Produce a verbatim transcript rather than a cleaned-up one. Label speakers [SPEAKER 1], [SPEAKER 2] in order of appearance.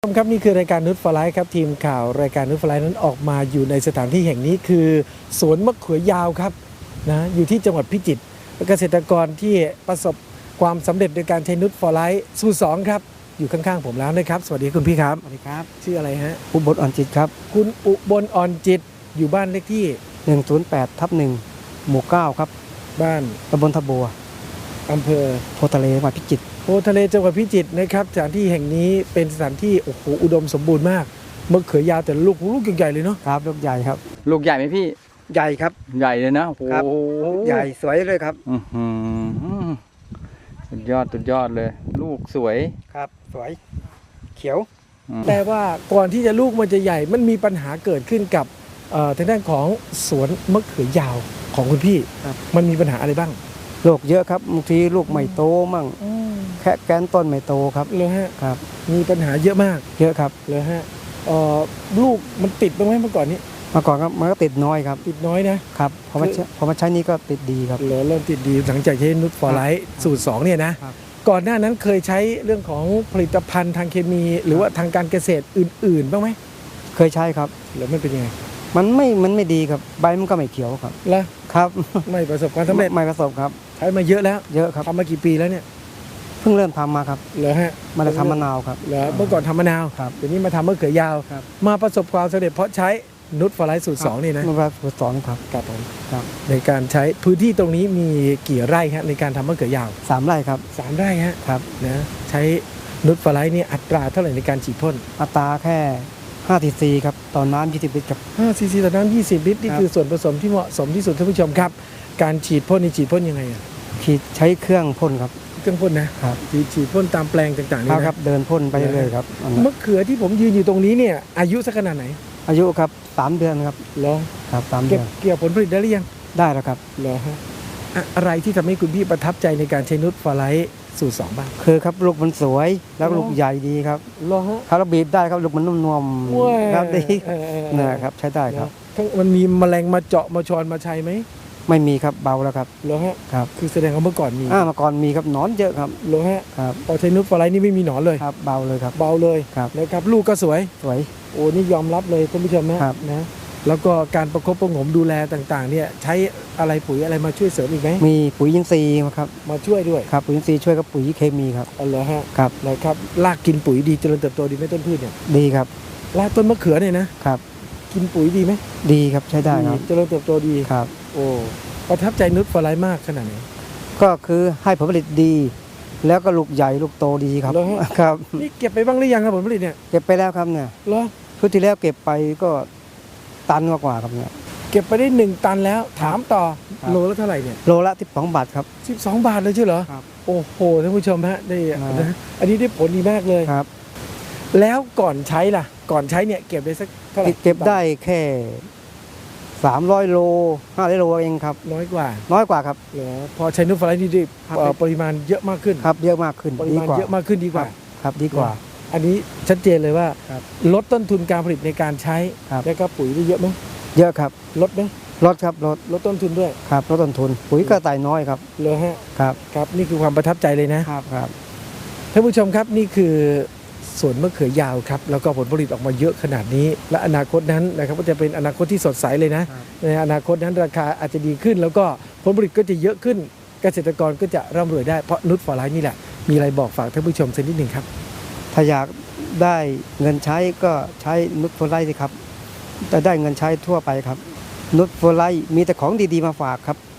[SPEAKER 1] ครับนี่คือรายการนุชฟลายครับทีมข่าวรายการนุชฟลายนั้นออกมาอยู่ในสถานที่แห่งนี้คือสวนมะเขือยาวครับนะอยู่ที่จังหวัดพิจิตรเกษตรกรที่ประสบความสำเร็จในการใช้นุชฟลายสูตรสองครับอยู่ข้างๆผมแล้วนะครับสวัสดีคุณพี่ครับ
[SPEAKER 2] สวัสดีครับ
[SPEAKER 1] ชื่ออะไรฮะ
[SPEAKER 2] อุบลอ่อนจิตครับ
[SPEAKER 1] คุณอุบลอ่อนจิตอยู่บ้านเลขที่
[SPEAKER 2] หนึ่งศูนย์แปดทับหนึ่งหมู่เก้าครับ
[SPEAKER 1] บ้าน
[SPEAKER 2] ตำบลทะบัว
[SPEAKER 1] อำเภอ
[SPEAKER 2] โพทะเลจังหวัดพิจิตร
[SPEAKER 1] โพทะเลจังหวัดพิจิตรนะครับสถานที่แห่งนี้เป็นสถานที่โอ้โหอุดมสมบูรณ์มากมะเขือยาวแต่ลูกลูกใหญ่ๆเลยเนาะ
[SPEAKER 2] ครับลูกใหญ่ครับ
[SPEAKER 3] ลูกใหญ่ไหมพี่
[SPEAKER 2] ใหญ่ครับ
[SPEAKER 3] ใหญ่เลยนะโอ้โห
[SPEAKER 2] ใหญ่สวยเลยครับ
[SPEAKER 3] อือหือสุดยอดสุดยอดเลย ลูกสวย
[SPEAKER 2] ครับสวยเขียว
[SPEAKER 1] แต่ว่าก่อนที่จะลูกมันจะใหญ่มันมีปัญหาเกิดขึ้นกับทางด้านของสวนมะเขือยาวของคุณพี่มันมีปัญหาอะไรบ้าง
[SPEAKER 2] โรคเยอะครับบางทีลูกไม่โตมั่งแค่แกนต้นไม่โตครับ
[SPEAKER 1] เลยฮะ
[SPEAKER 2] ครับ
[SPEAKER 1] มีปัญหาเยอะมาก
[SPEAKER 2] เยอะครับ
[SPEAKER 1] เลยฮะลูกมันติดบ้างไหมเมื่อก่อนนี้
[SPEAKER 2] เมื่อก่อนครับมันก็ติดน้อยครับ
[SPEAKER 1] ติดน้อยนะครับ
[SPEAKER 2] พอมาพอมาใช้นี่ก็ติดดีครับ
[SPEAKER 1] เริ่มติดดีหลังจากใช้นุชฟลายสูตรสองเนี่ยนะก่อนหน้านั้นเคยใช้เรื่องของผลิตภัณฑ์ทางเคมีหรือว่าทางการเกษตรอื่นๆบ้างไหม
[SPEAKER 2] เคยใช้ครับ
[SPEAKER 1] แล้วไม่เป็นยังไง
[SPEAKER 2] มันไม่มันไม่ดีครับใบมันก็ไม่เขียวครับ
[SPEAKER 1] แล้ว
[SPEAKER 2] ครับ
[SPEAKER 1] ไม่ประสบความสำเร็จ
[SPEAKER 2] ไม่ประสบครับ
[SPEAKER 1] ใช้มาเยอะแล้ว
[SPEAKER 2] เยอะครับ
[SPEAKER 1] ทำมากี่ปีแล้วเนี่ย
[SPEAKER 2] เพิ่งเริ่มทำมาครับ
[SPEAKER 1] เหรอฮะ
[SPEAKER 2] มาทำมะนาวครับ
[SPEAKER 1] เหรอเมื่อก่อนทำมะนาว
[SPEAKER 2] ครับ
[SPEAKER 1] เดี๋ยวนี้มาทำมะเขือยาวมาประสบความสำเร็จเพราะใช้นุชฟลายสูตรสองนี่นะ
[SPEAKER 2] นุชฟลายสูตรสองครับ
[SPEAKER 1] ครับผมครับในการใช้พื้นที่ตรงนี้มีกี่ไร่ฮะในการทำมะเขือยาว
[SPEAKER 2] สามไร่ครับ
[SPEAKER 1] สามไร่ฮะ
[SPEAKER 2] ครับ
[SPEAKER 1] นะใช้นุชฟลายนี่อัตราเท่าไหร่ในการฉีดพ่น
[SPEAKER 2] อัตราแค่ห้าซีซีครับต่อน้ำยี่สิบลิตรครับ
[SPEAKER 1] ห้าซีซีต่อน้ำยี่สิบลิตรนี่คือส่วนผสมที่เหมาะสมที่สุดท่านผู้ชมครับการฉีดพ่นนี่ฉีดพ่นยังไงอ่ะ
[SPEAKER 2] ฉีดใช้เครื่องพ่นครับ
[SPEAKER 1] เครื่องพ่นนะครับฉีดฉีดพ่นตามแปลงต่างๆนี่
[SPEAKER 2] นะครับเดินพ่นไปเรื่อยๆครับ
[SPEAKER 1] มะเขือที่ผมยืนอยู่ตรงนี้เนี่ยอายุสักขนาดไหน
[SPEAKER 2] อายุครับสามเดือนครับ
[SPEAKER 1] เหรอ
[SPEAKER 2] ครับสามเดือน
[SPEAKER 1] เกี่ยวผลผลิตได้หรือยัง
[SPEAKER 2] ได้แล้วครับ
[SPEAKER 1] เหรอฮะอะไรที่ทำให้คุณพี่ประทับใจในการใช้นุชฟลายสูตรสองบ้าง
[SPEAKER 2] คือครับลูกมันสวยแล้วลูกใหญ่ดีครับ
[SPEAKER 1] เหรอฮะ
[SPEAKER 2] ครับเราบีบได้ครับลูกมันนุ่มๆครับดีนะครับใช้ได้ครับ
[SPEAKER 1] มันมีแมลงมาเจาะมาชอนมาชัยไหม
[SPEAKER 2] ไม่มีครับเบาแล้วครับ
[SPEAKER 1] เหรอฮะ
[SPEAKER 2] ครับ
[SPEAKER 1] คือแสดงว่าเมื่อก่อนมี
[SPEAKER 2] อ่าเมื่อก่อนมีครับหนอนเยอะครับ
[SPEAKER 1] เหรอฮะ
[SPEAKER 2] ครับ
[SPEAKER 1] พอใช้นุชฟลายนี่ไม่มีหนอนเลย
[SPEAKER 2] ครับเบาเลยครับ
[SPEAKER 1] เบาเลย
[SPEAKER 2] ครับ
[SPEAKER 1] นะครับลูกก็สวย
[SPEAKER 2] สวย
[SPEAKER 1] โอ้นี่ยอมรับเลยท่านผู้ชมนะครับนะแล้วก็การประคบประหงมดูแลต่างๆเนี่ยใช้อะไรปุ๋ยอะไรมาช่วยเสริมอีกไหม
[SPEAKER 2] มีปุ๋ยอินทรีย์ครับ
[SPEAKER 1] มาช่วยด้วย
[SPEAKER 2] ครับปุ๋ยอินทรีย์ช่วยกับปุ๋ยเคมีครับ
[SPEAKER 1] อ๋อเหรอฮะ
[SPEAKER 2] ครับ
[SPEAKER 1] นะครับรากกินปุ๋ยดีเจริญเติบโตดีไหมต้นพืชเนี่ย
[SPEAKER 2] ดีครับ
[SPEAKER 1] รากต้นมะเขือเนี่ยนะครับกินปุ๋ยดีไหม
[SPEAKER 2] ดีครับใช้ได้ครับ
[SPEAKER 1] เจริญเติบโตดี
[SPEAKER 2] ครับ
[SPEAKER 1] โอ้ประทับใจนุชฟลายมากขนาดไหน
[SPEAKER 2] ก็คือให้ผลผลิตดีแล้วก็ลูกใหญ่ลูกโตดีครับครับ
[SPEAKER 1] นี่เก็บไปบ้างหรือยังครับผลผลิตเนี่ย
[SPEAKER 2] เก็บไปแล้วครับเนี่ย
[SPEAKER 1] เหรอ
[SPEAKER 2] ชุดที่แล้วเก็บไปก็ตันกว่าครับเนี่ย
[SPEAKER 1] เก็บไปได้หนึ่งตันแล้วถามต่อโลละเท่าไหร่เนี่ย
[SPEAKER 2] โลละสิบสองบาทครับ
[SPEAKER 1] สิบสองบาทเลยใช่เหรอ
[SPEAKER 2] ครับ
[SPEAKER 1] โอ้โหท่านผู้ชมฮะได้นะอันนี้ได้ผลดีมากเลย
[SPEAKER 2] ครับ
[SPEAKER 1] แล้วก่อนใช้ล่ะก่อนใช้เนี่ยเก็บได้สักเท่าไหร่
[SPEAKER 2] เก็บได้แค่สามร้อยโลห้าร้อยโลเองครับ
[SPEAKER 1] น้อยกว่า
[SPEAKER 2] น้อยกว่าครับ
[SPEAKER 1] เหรอพอใช้นุชฟลายนี่ได้ปริมาณเยอะมากขึ้น
[SPEAKER 2] ครับเยอะมากขึ้น
[SPEAKER 1] ปริมาณเยอะมากขึ้นดีกว่า
[SPEAKER 2] ครับดีกว่า
[SPEAKER 1] อันนี้ชัดเจนเลยว่าลดต้นทุนการผลิตในการใช้แล้วก็ปุ๋ยได้เยอะไหม
[SPEAKER 2] เยอะครับ
[SPEAKER 1] ลดไหม
[SPEAKER 2] ลดครับลด
[SPEAKER 1] ลดต้นทุนด้วย
[SPEAKER 2] ครับลดต้นทุนปุ๋ยก็ไต่น้อยครับ
[SPEAKER 1] เลยฮะ
[SPEAKER 2] ครับ
[SPEAKER 1] ครับนี่คือความประทับใจเลยนะครับ
[SPEAKER 2] ครับ
[SPEAKER 1] ท่านผู้ชมครับนี่คือสวนมะเขือยาวครับแล้วก็ผลผลิตออกมาเยอะขนาดนี้และอนาคตนั้นนะครับก็จะเป็นอนาคตที่สดใสเลยนะในอนาคตนั้นราคาอาจจะดีขึ้นแล้วก็ผลผลิตก็จะเยอะขึ้นเกษตรกรก็จะร่ำรวยได้เพราะนุชฟลายนี่แหละมีอะไรบอกฝากท่านผู้ชมสักนิดหนึ่งครับ
[SPEAKER 2] ถ้าอยากได้เงินใช้ก็ใช้นุชฟลายสิครับจะได้เงินใช้ทั่วไปครับนุชฟลายมีแต่ของดีๆมาฝากครับ